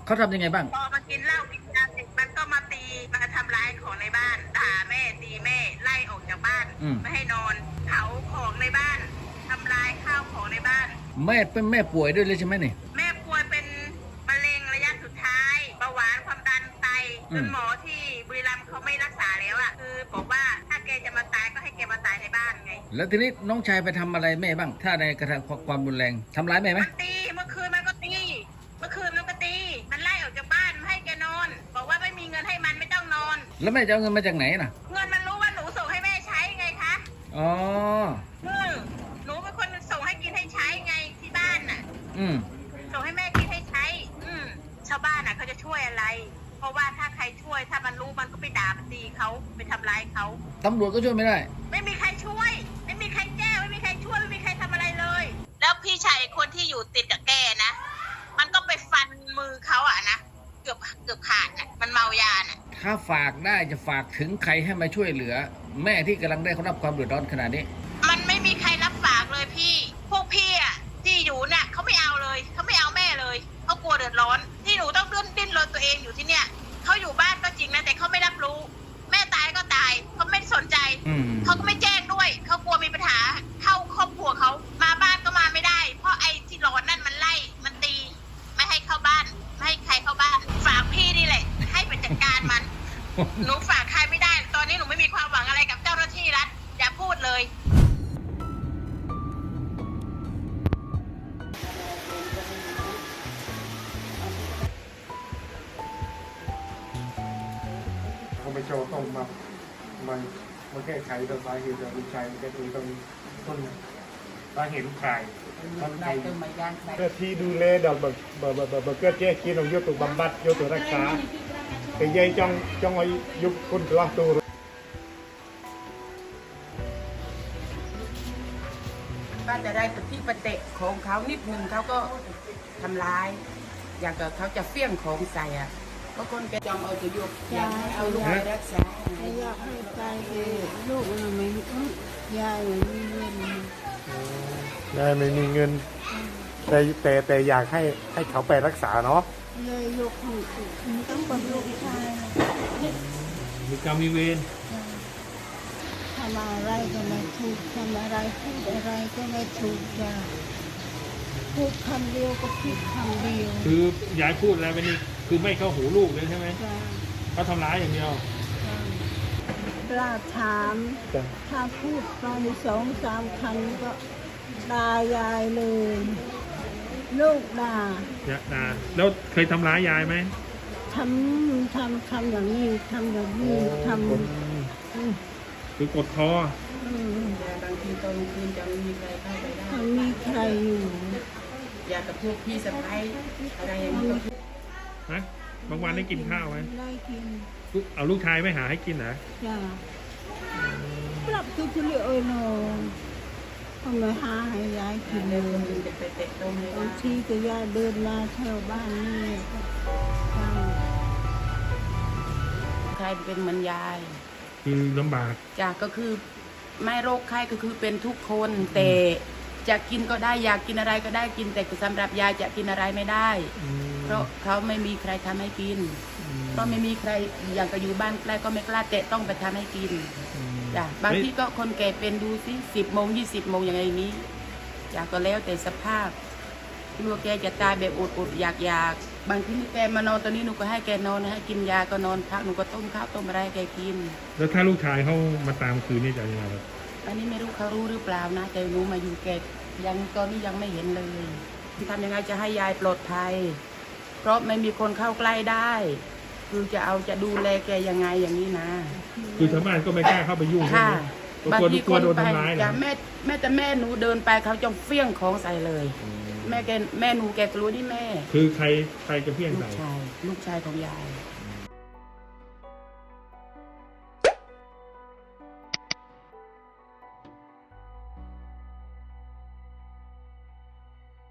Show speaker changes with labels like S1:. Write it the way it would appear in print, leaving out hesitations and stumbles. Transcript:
S1: เขาทำยังไงบ้าง
S2: พอมากินเหล้ากินยาเสร็จมันก็มาตีมาทำร้ายของในบ้านด่าแม่ตีแม่ไล่ออกจากบ้านไม่ให้นอนเผาของในบ้านทำลายข้าวของในบ้าน
S1: แม่เป็นแม่ป่วยด้วยเลยใช่ไหมนี่
S2: แม่ป่วยเป็นมะเร็งระยะสุดท้ายเบาหวานความดันไตจนหมอที่บุรีรัมย์เขาไม่รักษาแล้วอ่ะคือบอกว่าถ้าแกจะมาตายก็ให้แกมาตายในบ้านไง
S1: แล้วทีนี้น้องชายไปทำอะไรแม่บ้างถ้าในกระทำความรุนแรงทำร้ายแม่ไหม
S2: มันตีเมื่อคืนมันก็ตีเมื่อคืนมันก็ตีมันไล่ออกจากบ้านไม่ให้แกนอนบอกว่าไม่มีเงินให้มันไม่ต้องนอน
S1: แล้วแม่จะเอาเงินมาจากไหนน่ะ
S2: เงินมันรู้ว่าหนูส่งให้แม่ใช้ไงคะ
S1: อ๋อ
S2: หนูเป็นคนส่งให้กินให้ใช้ไงที่บ้านน่ะส่งให้แม่กินให้ใช้ชาวบ้านน่ะเขาจะช่วยอะไรเพราะว่าถ้าใครช่วยถ้ามันรู้มันก็ไปด่ามันตีเขาไปทำร้ายเขา
S1: ตำรวจก็ช่วยไม่ได้
S2: ไม่มีใครช่วยไม่มีใครแก้ไม่มีใครช่วยไม่มีใครทำอะไรเลยแล้วพี่ชายคนที่อยู่ติดกับแกนะมันก็ไปฟันมือเขาอะนะเกือบขาดน่ะมันเมายาน่ะ
S1: ถ้าฝากได้จะฝากถึงใครให้มาช่วยเหลือแม่ที่กำลังได้รับความเดือดร้อนขนาดนี้
S2: มันไม่มีใครรับฝากเลยพี่พวกพี่อะที่อยู่น่ะเขาไม่เอาเลยเขาไม่เอาแม่เลยเขากลัวเดือดร้อนที่หนูต้องดิ้นรนตัวเองอยู่ที่เนี่ยเขาอยู่บ้านก็จริงนะแต่เขาไม่รับรู้แม่ตายก็ตายเขาไม่สนใจเขาก็ไม่แจ้งด้วยเขากลัวมีปัญหาเข้าครอบครัวเขามาบ้านก็มาไม่ได้เพราะไอ้ที่ร้อนนั่นมันไล่มันตีไม่ให้เข้าบ้านไม่ให้ใครเข้าบ้านฝากพี่นี่แหละให้ไปจัดการมัน หนูฝากใครไม่ได้ตอนนี้หนูไม่มีความหวังอะไรกับเจ้าหน้าที่รัฐอย่าพูดเลย
S3: เขาไม่โจต้องมาแก้ไขตัวสาเหตุจากลูกชายแก้ตัวตรงต้นสาเหตุลูกชายต้นไอ้เกิดที่ดูแลดอกแบบเกิดแก้กินของโยตุบำบัดโยตุรักษาแต่ยัยจ้องไอ้ยุบคุณตัวตัว
S4: ก็จะได้ปฏิปเตะของเขานิดนึงเขาก็ทำร้ายอย่างกับเขาจะเฟี้ยงของใส่อ่ะเพราะคนแกจองเอาจะยุบอยากให้เอาลูกไปรักษา
S5: อยากให้ตายลูกมันไม่ยายไม่มีเงิน
S3: ยายไม่มีเงินแต่อยากให้เขาไปรักษาเนาะ
S5: เลยลูกของต้องเป็นลูกชาย
S3: มีกรรมมีเวร
S5: ทำอะไรก็ไม่ถูกทำอะไรพูดอะไรก็ไม่ถูกจ้ะพูดคำเดียวก็ผิดคำเดียว
S3: คือยายพูดอะไรไปนี่คือไม่เข้าหูลูกเลยใช่ไหมเขาทำร้ายอย่างเดียว
S5: กล้าถามถ้าพูดไป2-3 ครั้งก็ด่ายายเลยลูกด่า
S3: แล้วเคยทำร้ายยายไหม
S5: ทำอย่างนี้ทำอย่างนี้ท
S3: ำคือกดค
S4: อบางทีตอนคืนจะไม่มีใครเข้าไปได้
S5: ไม่มีใครอยู่
S4: อยากกับพวกพี่สะพ้ายอะไรอย่างนี้
S3: ฮะบางวันได้กินข้าวไหม
S5: ได้กิน
S3: เอาลูกชายไม่หาให้กินเหรอ
S5: จ้าปรับตัวเฉลี่ยเลยน้องทำไมหาให้ยายกินเลยบางทีก็ยายเดินมาแถวบ้านนี่
S4: ใครเป็นเหมือนยาย
S3: คือลำบาก
S4: จ้ะก็คือไม่โรคไข้ก็คือเป็นทุกคนแต่จะกินก็ได้อยากกินอะไรก็ได้กินแต่สำหรับยายจะกินอะไรไม่ได้เพราะเขาไม่มีใครทำให้กินเพราะไม่มีใครอยากจะอยู่บ้านใกล้ก็ไม่กล้าแต่ต้องไปทำให้กินจ้ะบางทีก็คนแก่เป็นดูสิ10 โมง 20 โมงอย่างไรนี้จ้ะก็แล้วแต่สภาพกลัวแกจะตายแบบอดอยากบางทีแกมานอนตอนนี้หนูก็ให้แกนอนให้กินยาก็นอนพักหนูก็ต้มข้าวต้มอะไรให้แกกิน
S3: แล้วถ้าลูกชายเขามาตามคืนนี่จะยังไงครับ
S4: อันนี้ไม่รู้เขารู้หรือเปล่านะแต่หนูมาอยู่แกยังตอนนี้ยังไม่เห็นเลยทำยังไงจะให้ยายปลอดภัยเพราะไม่มีคนเข้าใกล้ได้คือจะดูแลแกยังไงอย่างนี้นะ
S3: คือชาวบ้านก็ไม่กล้าเข้าไปยุ่ง
S4: ค่ะบางทีคนไป
S3: จะ
S4: แม่หนูเดินไปเขาจะเฟี้ยงของใส่เลยแม่หนูแกรู้นี่แม่
S3: คือใครจะเฟี้ยงใส่
S4: ลูกชายของยาย